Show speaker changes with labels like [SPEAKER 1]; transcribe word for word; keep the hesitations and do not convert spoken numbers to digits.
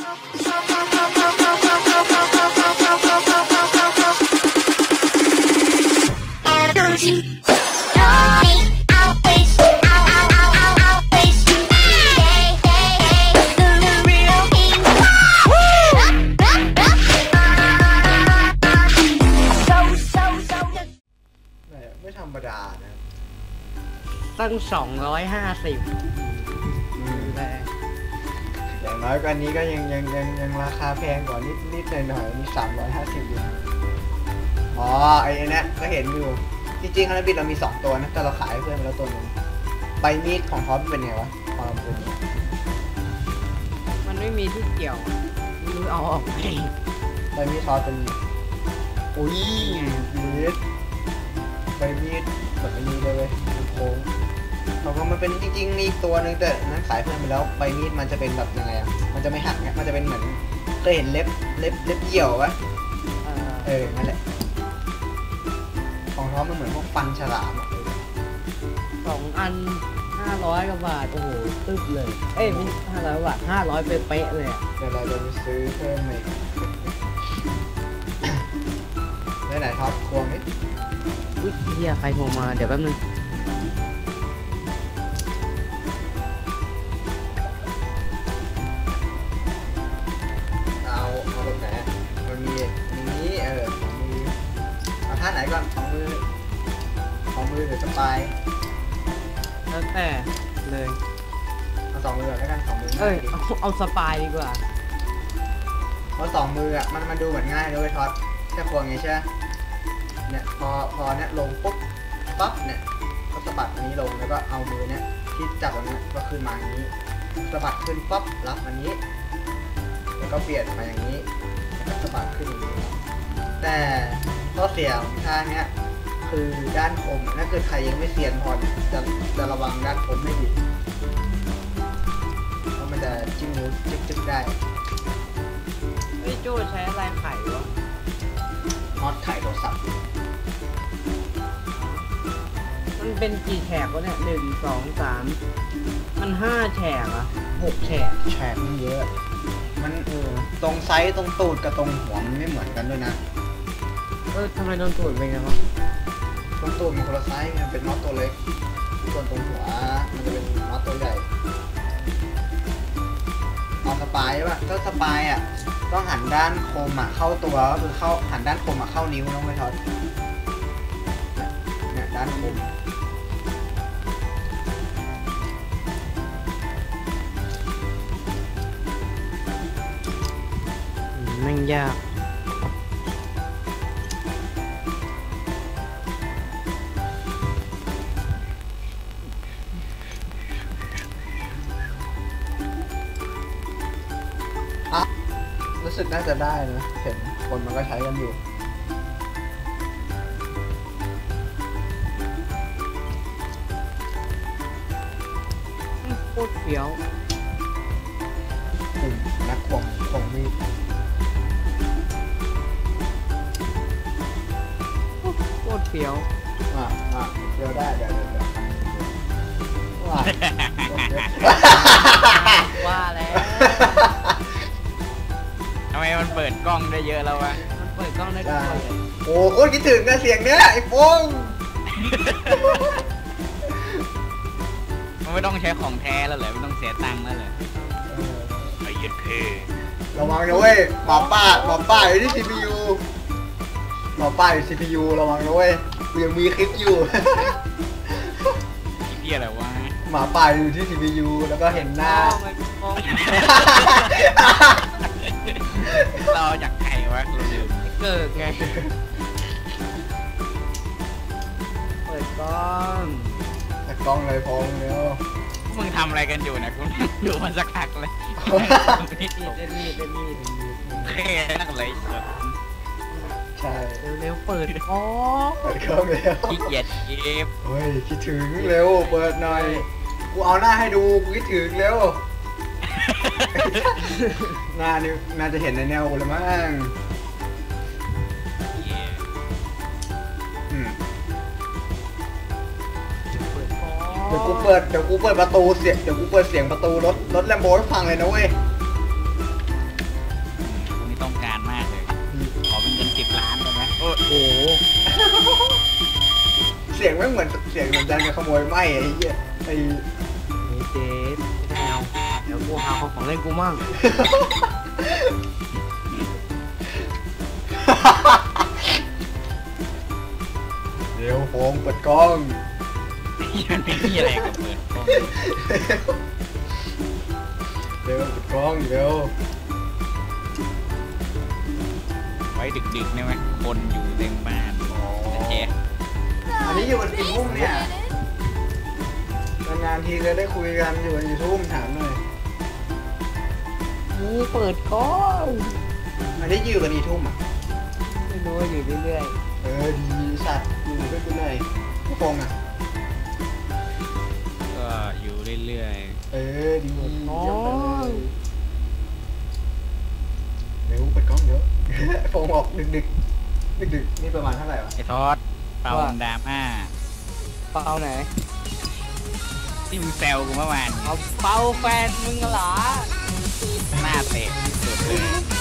[SPEAKER 1] ไม่ธรรมดานะ
[SPEAKER 2] ตั้งสองร้อยห้าสิบแต่
[SPEAKER 1] อย่างน้อยกว่านี้ก็ยังยังยังยังราคาแพงกว่านิดนิดหน่อยหน่อยนี่สามร้อยห้าสิบอยู่อ๋อไอ้เนี่ยก็เห็นอยู่จริงๆฮันบิดเรามีสองตัวนะแต่เราขายให้เพื่อนไปแล้วตัวนึงใบมีดของท็อปเป็นไงวะความเป็น
[SPEAKER 2] มันไม่มีที่เกี่ยวไม่รู้เอาออกไป
[SPEAKER 1] ใบมีดท็อปเป็นอุ้ยมีดใบมีดแบบนี้เลยเว้ยโค้งเขาก็มันเป็นจริงๆมีตัวนึงแต่นั้นขายเพื่อนไปแล้วใบมีดมันจะเป็นแบบยังไงอ่ะมันจะไม่หักเนี่ยมันจะเป็นเหมือนเคยเห็นเล็บเล็บเล็บเหี่ยวปะเออนั่นแหละของท็อปมันเหมือนพวกฟันฉลาม
[SPEAKER 2] สองอันห้าร้อยกว่าบาทโอ้โหตึ๊บเลยเอ้ยไม่ห้าร้อยบาทห้าร้อยเป๊ะๆเลยอ่ะ
[SPEAKER 1] เดี๋ยวเราจะไปซื้อเพิ่มอีกไหนไหนท็อปควงนิด
[SPEAKER 2] อุ้ยเฮียใครโทรมาเดี๋ยวแป๊บนึง
[SPEAKER 1] เอาเอาแบบไหนมันมีนี้เออของมือเอาท่าไหนก่อนของมือของมือหรือสปาย
[SPEAKER 2] แล้วแต่เลย
[SPEAKER 1] เอาสองมือก่อนแล้วกันสองมือ
[SPEAKER 2] เอ้ยเอาเอาสปายดีกว่า
[SPEAKER 1] เพราะสองมืออ่ะมันมันดูเหมือนง่ายเลยท็อปแค่ควงงี้ใช่ไหมเนี่ยพอพอเนี่ยลงปุ๊บปั๊บเนี่ยก็สะบัดอันนี้ลงแล้วก็เอามือเนี่ยที่จับอันนี้ก็ขึ้นมาอย่างนี้สะบัดขึ้นปั๊บรับอันนี้แล้วก็เปลี่ยนมาอย่างนี้แล้วก็สะบัดขึ้นอย่างนี้แต่ข้อเสียของท่าเนี้ยคือด้านคมถ้าเกิดใครยังไม่เซียนพอจะจะระวังด้านคมไม่ดีเพราะมันจะจิ้มนิ้วจิ๊บๆได้
[SPEAKER 2] ไอ้จู้ใช้อะไรไขวะ
[SPEAKER 1] น็อตไขโทรศัพท์
[SPEAKER 2] มันเป็นกี่แฉกวะเนี่ยหนึ่งสองสามมันห้าแฉกอะหกแฉก
[SPEAKER 1] แฉกมันเยอะมันเออตรงไซส์ตรงตูดกับตรงหัวมันไม่เหมือนกันด้วยนะ
[SPEAKER 2] เออทำไมโดนตูดเป็นไงวะ
[SPEAKER 1] ตรงตูดมันคนละไซส์มันเป็นน็อตตัวเล็กส่วนตรงหัวมันจะเป็นน็อตตัวใหญ่เอาสปายใช่ป่ะถ้าสปายอ่ะต้องหันด้านคมอ่ะเข้าตัวก็คือเข้าหันด้านคมอ่ะเข้านิ้วน้องไม่ทอดเนี่ยด้านคม
[SPEAKER 2] แม่งยาก
[SPEAKER 1] รู้สึกน่าจะได้นะเห็นคนมันก็ใช้กันอยู่
[SPEAKER 2] โคตรเฟี้ยว
[SPEAKER 1] กลุ่มนักควงควงมีด
[SPEAKER 2] โคตรเฟี้ยว
[SPEAKER 1] อ่ะอ่ะเฟี้ยวได้เดี๋ยวเดี๋ยวเดี๋ยวว่า
[SPEAKER 2] ว่าแล้ว
[SPEAKER 3] ทำไมมันเปิดกล้องได้เยอะแล้ววะ
[SPEAKER 2] มันเปิดกล้องได้ด้วย
[SPEAKER 1] โอ้โคตรคิดถึงนะเสียงเนี้ยไอ้ฟง
[SPEAKER 3] มันไม่ต้องใช้ของแท้แล้วเหรอไม่ต้องเสียตังค์แล้วเหรอไอ้ยัดเพ
[SPEAKER 1] ระวังนะเว้ยหมาป้าหมาป้าอยู่ที่ ซี พี ยู หมาป้าอยู่ ซี พี ยู ระวังนะเว้ยกูยังมีคลิปอยู่
[SPEAKER 3] เหี้ยอะไรวะ
[SPEAKER 1] หมาป่าอยู่ที่ ซี พี ยู แล้วก็เห็นหน้า
[SPEAKER 3] เราจากใครวะเราลืม
[SPEAKER 2] เกิดไงเปิดกล้อง
[SPEAKER 1] เปิดกล้องเลยพงเร็ว
[SPEAKER 3] มึงทำอะไรกันอยู่นะกูดูมันสักพักเลย
[SPEAKER 2] เล่นมีดเล่นมีด
[SPEAKER 3] แค่นักเลย
[SPEAKER 1] ใช่
[SPEAKER 2] เร็วๆเปิดกล้อง
[SPEAKER 1] เปิดกล้องเร็ว
[SPEAKER 3] ขี้เกียจเก็บ
[SPEAKER 1] เฮ้ยคิดถึงเร็วเปิดหน่อยกูเอาหน้าให้ดูกูคิดถึงเร็วหน้านี่น่าจะเห็นในแนวกูเลยมั้งเดี๋ยวกูเปิดเดี๋ยวกูเปิดประตูเสียงเดี๋ยวกูเปิดเสียงประตูรถรถแลมโบ้ให้ฟังเลยนะเว้ยเสียงไม่งเหมือนเสียงเหมือนการจะขโมยไหมไอ้เหี้ยไอ้
[SPEAKER 2] นี่เจ๊ไม่เอาเดี๋ยวกูหาของเล่นกูมั่ง
[SPEAKER 1] เดี๋ยวโฟงเปิดกล้อง
[SPEAKER 3] มันไม่มีอะไรกับเปิดกล้อง
[SPEAKER 1] เดี๋ยวเปิดกล้องเดี๋ยว
[SPEAKER 3] ไว้ดึกๆเนี่ยไหมคนอยู่เต็มบ้านโอเค
[SPEAKER 1] อันนี้อยู่บนกี่ทุ่มเนี่ยนานๆทีจะได้คุยกันอยู่บนกี่ทุ่มถามหน่อย
[SPEAKER 2] นี่เปิดกล้อง
[SPEAKER 1] อันนี้อยู่กันกี่ทุ่มอ่ะ
[SPEAKER 2] ไม่รู้ว่าอยู่เรื่อย
[SPEAKER 1] เออดีสัตว์อยู่ด้วยกูหน่อยกูโฟงอ่ะ
[SPEAKER 3] ก็อยู่เรื่อย
[SPEAKER 1] เออดี
[SPEAKER 2] ๆอ๋อ
[SPEAKER 1] เยี่ยมไปเลยเดี๋ยวเปิดกล้องเดี๋ยว โฟงออกดึกดึกดึกดึกๆนี่ประมาณเท่าไหร่วะ
[SPEAKER 3] ๆไอ้ทอดเป่าดราม่า
[SPEAKER 2] เปาไหน
[SPEAKER 3] ที่มึงแซวกูเมื่อวาน
[SPEAKER 2] เอาเปาแฟนมึงเหรอ
[SPEAKER 3] หน้าเตะที่สุดเลย